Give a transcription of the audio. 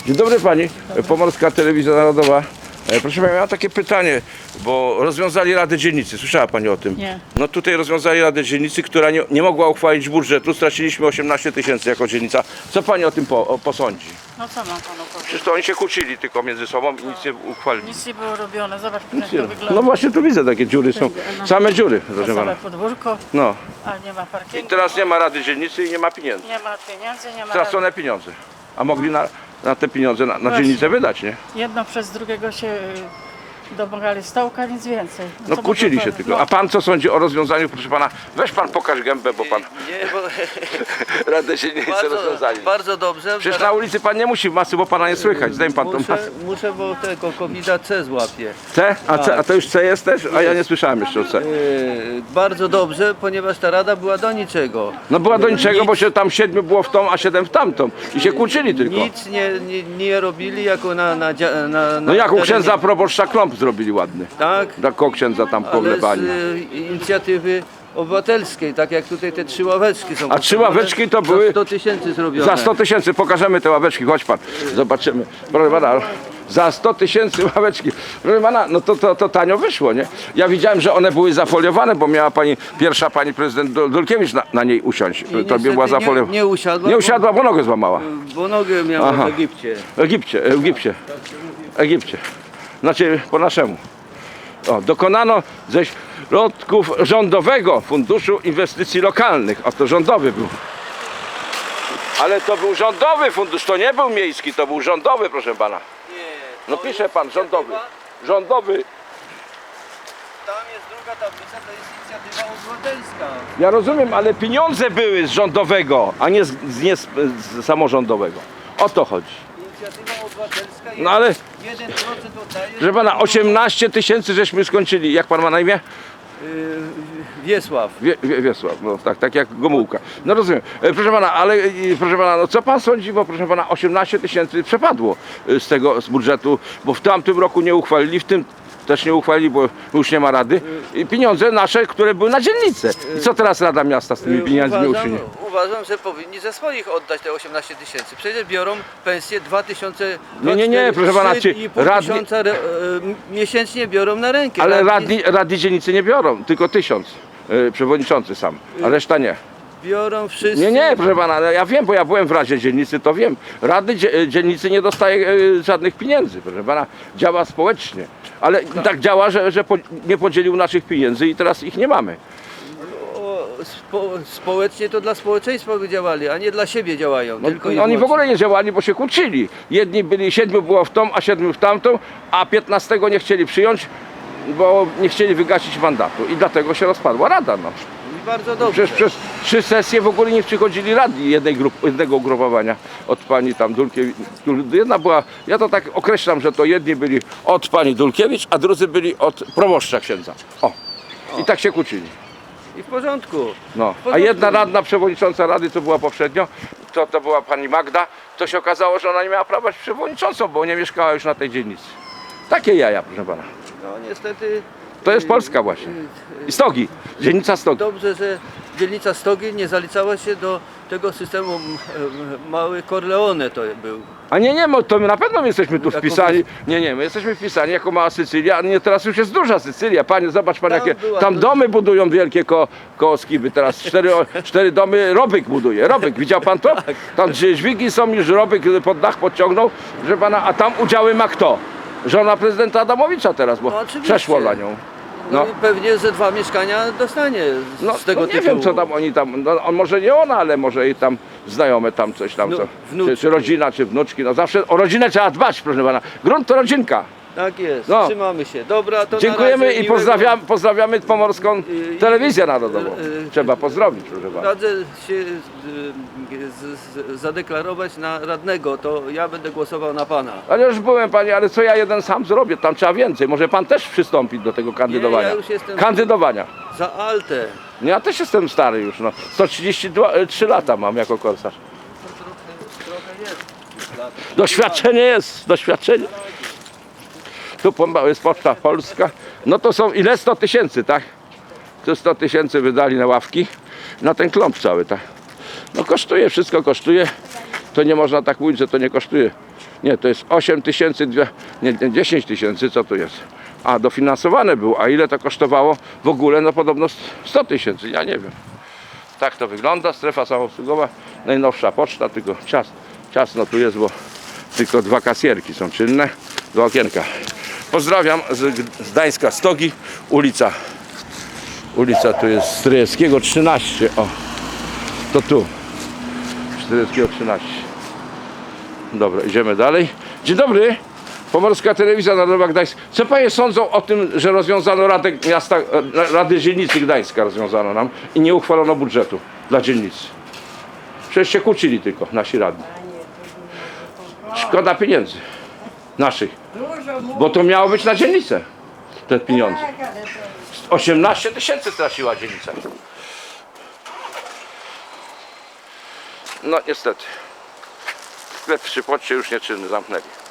Dzień dobry pani, Pomorska Telewizja Narodowa. Proszę pani, mam takie pytanie, bo rozwiązali Radę Dzielnicy. Słyszała pani o tym? Nie. No tutaj rozwiązali Radę Dzielnicy, która nie mogła uchwalić budżetu. Straciliśmy 18 000 jako dzielnica. Co pani o tym posądzi? No co mam panu powiedzieć? Przecież to oni się kłócili tylko między sobą i nic nie uchwalili. Nic nie było robione, zobacz jak Nie. to wygląda. No właśnie tu widzę, takie dziury są. Same dziury, To proszę całe pana. podwórko, No. a nie ma I parkingu, teraz nie ma Rady Dzielnicy i nie ma pieniędzy. nie ma pieniędzy, nie ma... Stracone pieniądze. A mogli na te pieniądze na Właśnie. dzielnicę wydać, nie? Jedno przez drugiego się domagali stołka, nic więcej. No co kłócili mogę się powiedzieć? tylko. A pan co sądzi o rozwiązaniu, proszę pana? Weź pan pokaż gębę, bo pan Nie, bo Radę Dzielnicy rozwiązali. bardzo dobrze. Przecież na ulicy pan nie musi masy, bo pana nie słychać. Zdejm pan tą muszę, masę. muszę, bo tego COVID-a C złapie. C? A to już C jest też? A ja nie słyszałem jeszcze o C. Bardzo dobrze, ponieważ ta rada była do niczego. No była do niczego, bo się tam 7 było w tą, a 7 w tamtą. I się kłócili tylko. Nic nie robili jako na No jak u terenie. księdza proboszcza klomp zrobili ładny. Tak, Takiego księdza tam ale z poglebali. inicjatywy obywatelskiej, tak jak tutaj te 3 ławeczki są. A 3 ławeczki to były za 100 000 zrobione. za 100 000. Pokażemy te ławeczki, chodź pan. Zobaczymy. Proszę pana, za 100 000 ławeczki. Proszę pana, no to tanio wyszło, nie? Ja widziałem, że one były zafoliowane, bo miała pierwsza pani prezydent Dulkiewicz na niej usiąść. To niestety była zafoliowana. nie usiadła, Nie usiadła, bo nogę złamała. bo nogę miała Aha. w Egipcie. Egipcie. Znaczy po naszemu. O, dokonano ze środków rządowego Funduszu Inwestycji Lokalnych. A to rządowy był. Ale to był rządowy fundusz, to nie był miejski, to był rządowy, proszę pana. Nie, No pisze pan, rządowy. Rządowy. Tam jest druga tablica, to jest inicjatywa obywatelska. Ja rozumiem, ale pieniądze były z rządowego, a nie z samorządowego. O to chodzi. Inicjatywa obywatelska jest No ale, 1% oddaje. proszę pana, 18 000 żeśmy skończyli. Jak pan ma na imię? Wiesław. Wiesław, no tak jak Gomułka. No rozumiem. Proszę pana, ale proszę pana, no co pan sądzi, bo proszę pana 18 000 przepadło z budżetu, bo w tamtym roku nie uchwalili, w tym też nie uchwalili, bo już nie ma rady. I pieniądze nasze, które były na dzielnicę. I co teraz Rada Miasta z tymi pieniędzmi uczyni? Uważam, że powinni ze swoich oddać te 18 000. Przecież biorą pensję 2000. Nie, proszę pana, czy 3,5 tysiąca miesięcznie biorą na rękę. Ale radni dzielnicy nie biorą, tylko 1000. Przewodniczący sam, a reszta nie. biorą wszyscy. Nie, proszę pana, ja wiem, bo ja byłem w Radzie Dzielnicy, to wiem. Rady Dzielnicy nie dostaje żadnych pieniędzy, proszę pana, działa społecznie. Ale tak działa, że nie podzielił naszych pieniędzy i teraz ich nie mamy. Społecznie to dla społeczeństwa by działali, a nie dla siebie działają. No, tylko i oni w wyłącznie. ogóle nie działali, bo się kłócili. Jedni byli, 7 było w tą, a 7 w tamtą, a 15 nie chcieli przyjąć, bo nie chcieli wygasić mandatu. I dlatego się rozpadła Rada. No. I bardzo dobrze. Przecież przez 3 sesje w ogóle nie przychodzili radni jednego ugrupowania od pani tam Dulkiewicz. Jedna była, ja to tak określam, że to jedni byli od pani Dulkiewicz, a drudzy byli od proboszcza księdza. O. I tak się kłócili. I w porządku. No. W A porządku. jedna radna przewodnicząca rady, co była poprzednio, to była pani Magda, to się okazało, że ona nie miała prawa być przewodniczącą, bo nie mieszkała już na tej dzielnicy. Takie jaja, proszę pana. No niestety. To jest Polska właśnie. I Stogi, dzielnica Stogi. Dobrze, że dzielnica Stogi nie zaliczała się do tego systemu mały Corleone to był. A nie, to my na pewno jesteśmy tu Jako wpisani. Nie, my jesteśmy wpisani jako mała Sycylia, a nie, teraz już jest duża Sycylia. Panie, zobacz pan, Tam jakie była tam duża. domy budują wielkie koło Skiby. Teraz 4 domy Robyk buduje. Robyk, widział pan to? Tam gdzie dźwigi są, już Robyk pod dach podciągnął, że pana, a tam udziały ma kto? Żona prezydenta Adamowicza teraz, bo No, oczywiście. przeszło na nią. No, i pewnie ze 2 mieszkania dostanie z tego nie tytułu. wiem co tam oni tam, no, on może nie ona, ale może i tam znajome tam coś tam, No, co, wnuczki. czy rodzina, czy wnuczki, no zawsze o rodzinę trzeba dbać, proszę pana. Grunt to rodzinka. Tak jest, No. trzymamy się. Dobra, to Dziękujemy na razie, i pozdrawiamy Pomorską Telewizję Narodową. Trzeba pozdrowić, proszę pana. Radzę się zadeklarować na radnego, to ja będę głosował na pana. Ale już byłem panie, ale co ja jeden sam zrobię, tam trzeba więcej. Może pan też przystąpić do tego kandydowania. ja już jestem- Kandydowania. Za Altę. No ja też jestem stary już, no. 133 lata mam jako korsarz. Trochę jest. Doświadczenie jest, doświadczenie. Tu jest Poczta Polska. No to są ile? 100 000, tak? Tu 100 000 wydali na ławki, na ten klomp cały, tak? No kosztuje, wszystko kosztuje. To nie można tak mówić, że to nie kosztuje. Nie, to jest 8 tysięcy, nie 10 tysięcy, co tu jest? A dofinansowane było, a ile to kosztowało w ogóle? No podobno 100 tysięcy, ja nie wiem. Tak to wygląda, strefa samoobsługowa, najnowsza poczta, tylko ciasno tu jest, bo tylko 2 kasjerki są czynne, 2 okienka. Pozdrawiam z Gdańska, Stogi, ulica tu jest Stryjewskiego 13, o, to tu, Stryjewskiego 13. Dobra, idziemy dalej. Dzień dobry, Pomorska Telewizja Narodowa Gdańsk. Co panie sądzą o tym, że rozwiązano Radę Dzielnicy Gdańska rozwiązano nam i nie uchwalono budżetu dla dzielnicy? Przecież się kłócili tylko nasi radni. Szkoda pieniędzy naszych, bo to miało być na dzielnicę te pieniądze. 18 tysięcy straciła dzielnica. No niestety. Sklep w Szypocie już nieczynny, zamknęli.